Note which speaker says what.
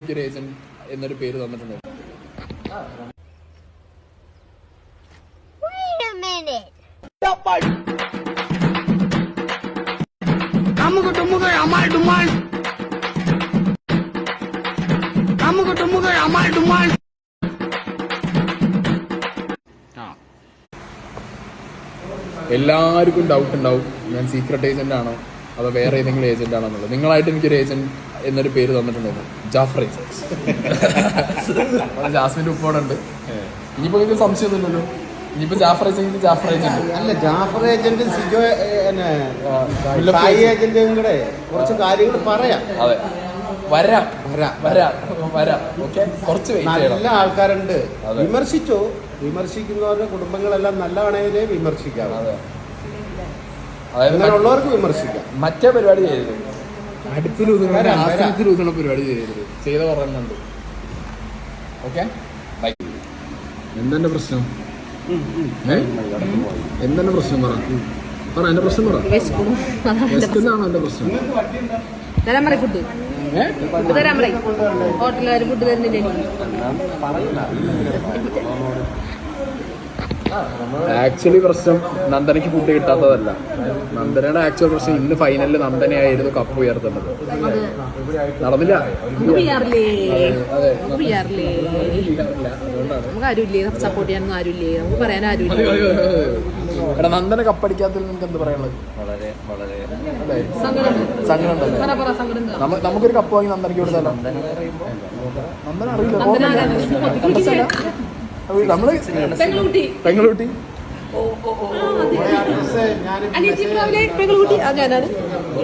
Speaker 1: Agent എന്നൊരു പേര് തന്നിട്ടുണ്ട്. എല്ലാവർക്കും ഡൗട്ട് ഉണ്ടാവും ഞാൻ സീക്രട്ട് ഏജന്റ് ആണോ അതോ വേറെ ഏതെങ്കിലും ഏജന്റ് ആണോ എന്നുള്ളത്. നിങ്ങളായിട്ട് എനിക്കൊരു ഏജന്റ് എന്നൊരു പേര് തന്നിട്ടുണ്ടായിരുന്നു, ജാഫർ ഏജന്റ്. ജാസ്മിന്റെ ഉപ്പോടുണ്ട്. ഇനിയിപ്പോ നിങ്ങൾക്ക് സംശയമൊന്നുമില്ലല്ലോ, ഇനിയിപ്പോ ജാഫർ ഏജന്റ്
Speaker 2: അല്ല, ജാഫർ ഏജന്റ് സിജോ ഏജന്റും കൂടെ കുറച്ച് കാര്യങ്ങൾ പറയാം.
Speaker 1: അതെ, വരാം. ഓക്കെ, കുറച്ച്
Speaker 2: നല്ല ആൾക്കാരുണ്ട്. വിമർശിക്കുന്നവരുടെ കുടുംബങ്ങളെല്ലാം നല്ലതാണെങ്കിലേ വിമർശിക്കാം. അങ്ങനെയുള്ളവർക്ക് വിമർശിക്കാം.
Speaker 1: മറ്റേ പരിപാടി ചെയ്യരുത്, അടുപ്പിലൂതുന്ന പരിപാടി ചെയ്യരുത്. ചെയ്ത പറയുന്നുണ്ട്. ഓക്കെ, എന്തെന്റെ പ്രശ്നം? എന്തെന്റെ പ്രശ്നം പറ എന്റെ പ്രശ്നം പറ. വിശക്കുന്നതാണോ എന്റെ പ്രശ്നം?
Speaker 3: ഹോട്ടലുകാർ ഫുഡ് തരുന്നില്ല.
Speaker 1: ആക്ച്വലി പ്രശ്നം നന്ദനയ്ക്ക് ഫുഡ് കിട്ടാത്തതല്ല. നന്ദനയുടെ ആക്ച്വൽ പ്രശ്നം ഇന്ന് ഫൈനലിൽ നന്ദനയായിരുന്നു കപ്പ് ഉയർത്തേണ്ടത്. നടന്നില്ല.
Speaker 3: നമുക്ക് ആരുമില്ലേ സപ്പോർട്ട് ചെയ്യാനൊന്നും ആരുമില്ലേ, നമുക്ക് പറയാൻ ആരുമില്ല.
Speaker 1: എടാ, നന്ദന കപ്പടിക്കാത്തതിൽ നിങ്ങൾക്ക് എന്ത് പറയാനുള്ളത്? സങ്കടം ഉണ്ടല്ലേ? നമുക്കൊരു കപ്പ് വാങ്ങി നന്ദനയ്ക്ക് കൊടുത്താലോ? നന്ദന അറിയില്ല, നമ്മള് പെങ്ങളുട്ടി.
Speaker 3: പെങ്ങളുട്ടി ഞാനാണ്.